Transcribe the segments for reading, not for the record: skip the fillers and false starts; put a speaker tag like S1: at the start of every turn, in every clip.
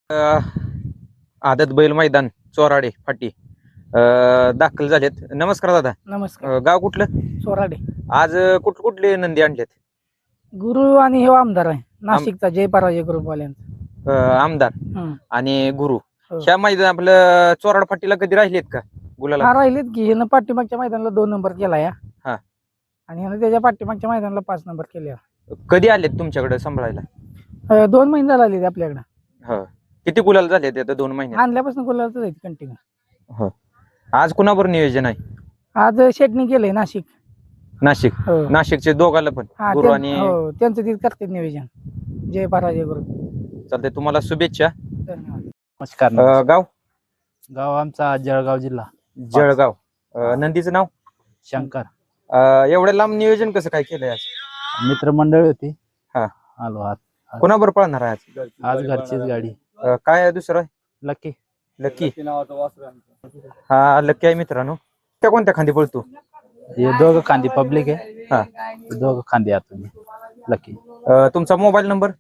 S1: आदत बैल मैदान चोराडे फाटी दाखल झालेत. नमस्कार दादा.
S2: नमस्कार.
S1: गाव कुठलं?
S2: सोराडे.
S1: आज कुठले नंदी आणलेत?
S2: गुरु आणि हे आमदार आहे नाशिकचा जय पराजय ग्रुपवाल्यांचा.
S1: आमदार
S2: हं.
S1: आणि गुरु.
S2: हो.
S1: ह्या मैदान आपलं चोराड फाटीला कधी राहिलेत का गुलाला?
S2: हा राहिलेत की ह्यानं पाठीमागच्या मैदानाला 2 नंबर केला या.
S1: हा.
S2: आणि ह्यानं त्याच्या पाठीमागच्या मैदानाला 5 नंबर केले.
S1: कधी आलेत तुमच्याकडे सांभाळायला?
S2: 2 महिने झाले आले आपल्याकडे.
S1: हो. किती गुलाल झाले ते 2 महिन्यात?
S2: आणल्यापासून गुलालच आहे कंटिन्यू.
S1: हो. आज कुणावर नियोजन आहे?
S2: आज शेटणी केलंय नाशिक.
S1: नाशिक.
S2: हो.
S1: नाशिकचे दोघाला पण
S2: हा,
S1: गुरु आणि
S2: हो त्यांचं ते करतात नियोजन. जय पराजय ग्रुप.
S1: चालते. तुम्हाला शुभेच्छा.
S2: धन्यवाद.
S3: नमस्कार.
S1: गाव
S3: गाव आमचा जळगाव जिल्हा.
S1: जळगाव. नंदीचं नाव?
S3: शंकर.
S1: एवढ्या लांब नियोजन कसं काय केलंय आज?
S3: मित्रमंडळ होती.
S1: हा.
S3: आलो आज.
S1: कोणाबरोबर पळणार आहे आज?
S3: आज घरचीच गाडी.
S1: काय आहे दुसरं?
S3: लकी.
S1: लकी. हा, लकी आहे मित्रांनो. त्या कोणत्या खांदी पळतो?
S3: हे दोघं खांदी पब्लिक आहे.
S1: हा.
S3: हे दोघं खांदी आहात तुम्ही. लकी.
S1: तुमचा मोबाईल नंबर?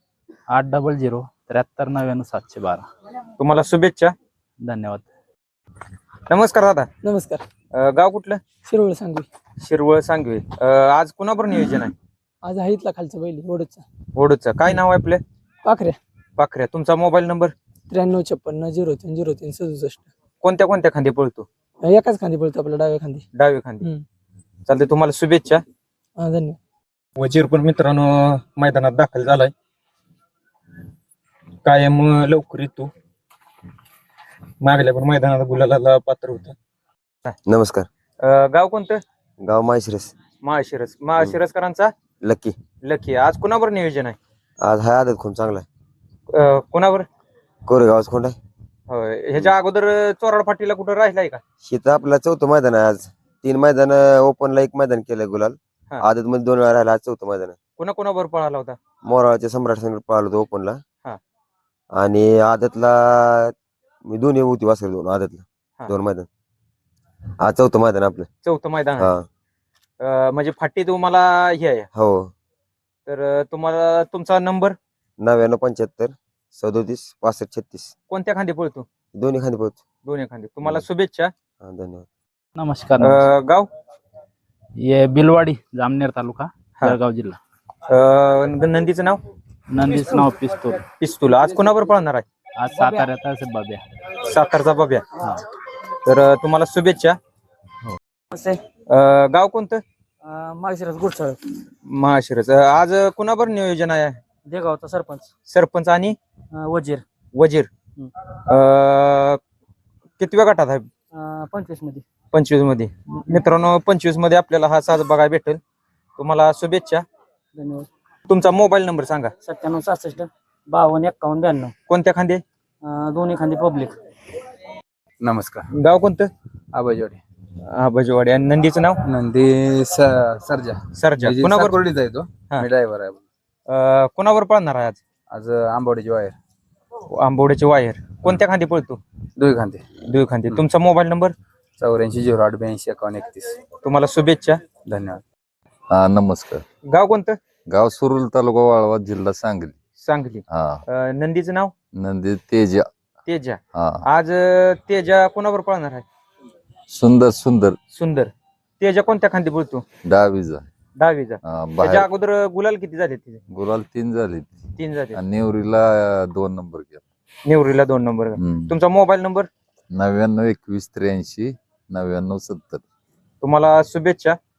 S3: 800-7399-712.
S1: तुम्हाला शुभेच्छा.
S3: धन्यवाद.
S1: नमस्कार दादा.
S2: नमस्कार.
S1: गाव कुठलं?
S2: शिरवळ सांगू.
S1: शिरवळ सांगवी. आज कुणाबरोबर नियोजन आहे?
S2: आज आहे इथला खालचा बैल ओढचा.
S1: ओढूचं काय नाव आहे आपलं?
S2: पाखऱ्या.
S1: पाखऱ्या. तुमचा मोबाईल नंबर?
S2: 9356030367.
S1: कोणत्या कोणत्या खांदी पळतो?
S2: एकाच खांदी पळतो आपल्या डाव्या खांदी.
S1: डावी खांदी.
S2: हम्म.
S1: चालते. तुम्हाला शुभेच्छा.
S2: धन्यवाद.
S1: वजीर पण मित्रांनो मैदानात दाखल झालाय. कायम लवकर येतो. मागल्या पण मैदानात गुलाला पात्र होता.
S4: नमस्कार.
S1: गाव कोणतं?
S4: गाव माळशिरस.
S1: माळशिरसकरांचा
S4: लकी.
S1: लकी. आज कुणावर नियोजन आहे?
S4: आज हा आदत खूप चांगला आहे.
S1: कुणावर?
S4: कोरेगावच कोण आहे.
S1: होय. ह्याच्या अगोदर चोराड फाटीला कुठं राहिलाय का?
S4: शेत आपला 4थं मैदान आहे आज. 3 मैदान ओपनला 1 मैदान केलंय गुलाल.
S1: हा.
S4: आदत मध्ये 2 वेळा राहिला. आज 4थं मैदान आहे.
S1: कुणाबरोबर पळाला होता?
S4: मोराळच्या सम्राट संघ पळालो होतो ओपनला.
S1: हा.
S4: आणि आदतला मी दोन्ही होती वासर 2 आदतला.
S1: हा.
S4: 2 मैदान. आज 4थं मैदान आपलं.
S1: 4थं मैदान आहे.
S4: हा.
S1: म्हणजे फाटी तुम्हाला हे आहे.
S4: हो.
S1: तर तुम्हाला तुमचा नंबर?
S4: 9975 37 65 36.
S1: कोणत्या खांदी पळतो?
S4: दोन्ही खांदी पोहोच.
S1: दोन्ही खांदी. तुम्हाला शुभेच्छा.
S4: धन्यवाद.
S3: नमस्कार.
S1: गाव?
S3: हे बिलवाडी जामनेर तालुका जळगाव जिल्हा.
S1: नंदीचं नाव?
S3: नंदीचं नाव पिस्तूल.
S1: पिस्तूल. आज कोणावर पळणार आहे?
S3: आज साताऱ्यात असेल बाब्या.
S1: सातारचा बब्या.
S3: हा.
S1: तर तुम्हाला शुभेच्छा. गाव कोणतं?
S2: माळशिरस गुडसाळ.
S1: महाशिरस. आज कुणावर नियोजन आहे?
S2: देगावचा सरपंच.
S1: सरपंच आणि
S2: वजीर.
S1: वजीर. कितव्या गटात आहे?
S2: 25 मध्ये.
S1: 25 मध्ये. मित्रांनो 25 मध्ये आपल्याला हा साज बघायला भेटेल. तुम्हाला शुभेच्छा.
S2: धन्यवाद.
S1: तुमचा मोबाईल नंबर सांगा?
S2: 97 66 52 51 92.
S1: कोणत्या खांदे?
S2: दोन्ही खांदी पब्लिक.
S5: नमस्कार.
S1: गाव कोणतं?
S5: आबाजवाडी.
S1: बजवाडी. आणि नंदीचं नाव?
S5: नंदी सर्जा.
S1: सरजा. कुणावर?
S5: कोरडीचा आहे तो.
S1: हा.
S5: मी ड्रायव्हर आहे.
S1: कुणावर पळणार आहे आज?
S5: आज आंबवडीची वायर.
S1: आंबोड्याचे वायर. कोणत्या खांदी पळतो?
S5: दुई खांदे.
S1: दुई खांदी. तुमचा मोबाईल नंबर?
S5: 84 08 82 51 31.
S1: तुम्हाला शुभेच्छा.
S5: धन्यवाद.
S6: हा, नमस्कार.
S1: गाव कोणतं?
S6: गाव सुरुल तालुका वाळवा जिल्हा सांगली.
S1: सांगली.
S6: हा.
S1: नंदीचं नाव?
S6: नंदी तेजा.
S1: तेजा.
S6: हा.
S1: आज तेजा कोणावर पळणार आहे?
S6: सुंदर सुंदर.
S1: सुंदर. तेजा कोणत्या खांदी पळतो?
S6: डावीचा.
S1: डावीचा.
S6: हा,
S1: त्याच्या
S6: बाहेर
S1: अगोदर गुलाल किती झाले तिथे?
S6: गुलाल 3 झाली.
S1: 3 झाले.
S6: आणि नेवरीला 2 नंबर केला.
S1: नेवरीला 2 नंबर. तुमचा मोबाईल नंबर?
S6: 99 21 83 99 70.
S1: तुम्हाला शुभेच्छा.